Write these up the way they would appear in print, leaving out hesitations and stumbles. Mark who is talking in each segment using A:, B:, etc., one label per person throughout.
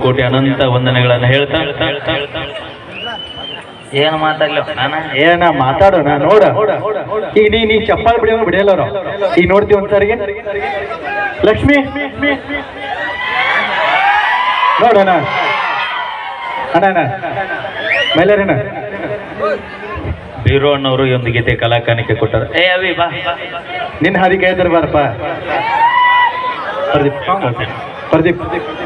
A: ಕೋಟಿ ಅನಂತ ವಂದನೆಗಳನ್ನು ಹೇಳ್ತಾ ಏನು ಮಾತಾಡ್ಲ ನಾನು
B: ಏನ ಮಾತಾಡೋಣ ನೋಡ ಈಗ ನೀ ಚಪ್ಪಾಳೆ ಬಿಡಿಯೋನು ಬಿಡಿಯಲ್ಲ ಈಗ ನೋಡ್ತೀವಿ ಒಂದ್ಸಾರಿಗೆ ಲಕ್ಷ್ಮಿ ನೋಡೋಣ ಅಣ್ಣ ಮೈಲಾರಿನ
A: ಬೀರೋ ಅಣ್ಣವರು ಈ ಒಂದು ಗೀತೆ ಕಲಾಕಾನಿಕೆ ಕೊಟ್ಟರು. ಏ ಅವಿ ಬಾ,
B: ನಿನ್ನ ಹಾದಿ ಕೇಳಿದ್ರೆ ಬಾರಪ್ಪ. ಪ್ರದೀಪ್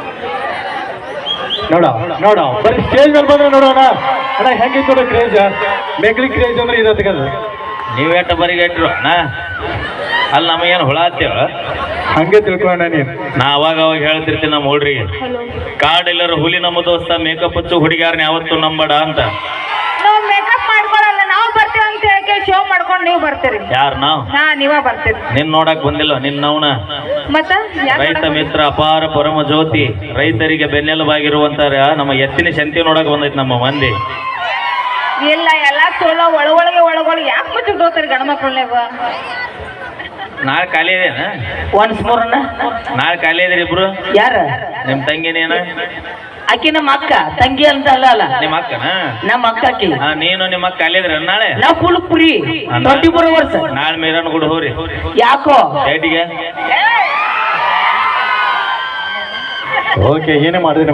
B: ನೋಡ ಬರೀ ಸ್ಟೇಜ್ ಮೇಲೆ ಬಂದ್ರೆ ನೋಡೋಣ ಅಣ್ಣ ಹೆಂಗಿತ್ತು ನೋಡ ಕ್ರೇಜ್, ಮೆಗ್ಲಿ ಕ್ರೇಜ್ ಅಂದ್ರೆ ಇರೋದಕ್ಕದು.
A: ನೀವೇಟ ಬರಿಗಟ್ರು ಅಣ್ಣ, ಅಲ್ಲಿ ನಮಗೇನು ಹುಳ ಹತ್ತೇವ
B: ಹಂಗೆ ತಿಳ್ಕೊಳ್ಳೋಣ ನೀನು.
A: ನಾ ಅವಾಗ ಹೇಳ್ತಿರ್ತೀನಿ ನಮ್ಮ ಹುಡ್ರಿಗೆ, ಕಾಡೆಲ್ಲರೂ ಹುಲಿ ನಮ್ಮ ದೋಸ್ತ, ಮೇಕಪ್ ಹಚ್ಚು ಹುಡುಗಿಯಾರನ್ನ ಯಾವತ್ತು ನಂಬಡ ಅಂತ.
C: ನಾವು ಮೇಕಪ್ ಮಾಡ್ಕೊಳಲ್ಲ, ನಾವು ಬರ್ತೀವಿ ಅಂತ ಹೇಳಕ್ಕೆ ಶೋ ಮಾಡ್ಕೊಂಡು ನೀವು ಬರ್ತೀರಿ.
A: ಯಾರು ನಾವು?
C: ನೀವ ಬರ್ತೀರಿ.
A: ನಿನ್ ನೋಡಕ್ ಬಂದಿಲ್ಲ, ನಿನ್ನವನ
C: ಮತ್ತ
A: ರೈತ ಮಿತ್ರ ಅಪಾರ ಪರಮ ಜ್ಯೋತಿ, ರೈತರಿಗೆ ಬೆನ್ನೆಲುಬಾಗಿರುವಂತ ನಮ್ಮ ಎತ್ತಿನ ಶಂತಿ ನೋಡಕ್ ಬಂದೈತಿ ನಮ್ಮ ಮಂದಿ.
C: ಇಲ್ಲ ಎಲ್ಲ ಚೋಳ ಒಳಗೊಳಗೆ ಯಾಕೆ ಮುಚ್ಚಿಡ್ತಾರೆ ಗಂಡ್ಮಕ್ಳನ್ನೇವ.
A: ನಾಳೆ ಖಾಲಿ ಇದೇನ?
D: ಒನ್ಸ್ ಮೋರ್
A: ನಾಳೆ ಖಾಲಿ ಇದ್ರಿ ಇಬ್ರು?
D: ಯಾರ?
A: ನಿಮ್ ತಂಗಿನೇನ?
D: ಆಕಿ ನಮ್ಮ ಅಕ್ಕ, ತಂಗಿ ಅಂತ ಅಲ್ಲ
A: ನಿಮ್ಮ ಅಕ್ಕನ?
D: ನಮ್ಮ ಅಕ್ಕ ಆಕಿ.
A: ನೀನು ನಿಮ್ಮ ಅಕ್ಕ ಖಾಲಿ ಇದ್ರಿ ನಾಳೆ?
D: ನಾವು ಫುಲ್ ಫ್ರೀ 24 hours.
A: ನಾಳೆ ಮೇರನ್ ಗುಡ್ ಹೋರಿ.
D: ಯಾಕೋ
A: ಡೇಟಿಗೆ
B: ಓಕೆ ಏನೇ ಮಾಡಿದ್ರೆ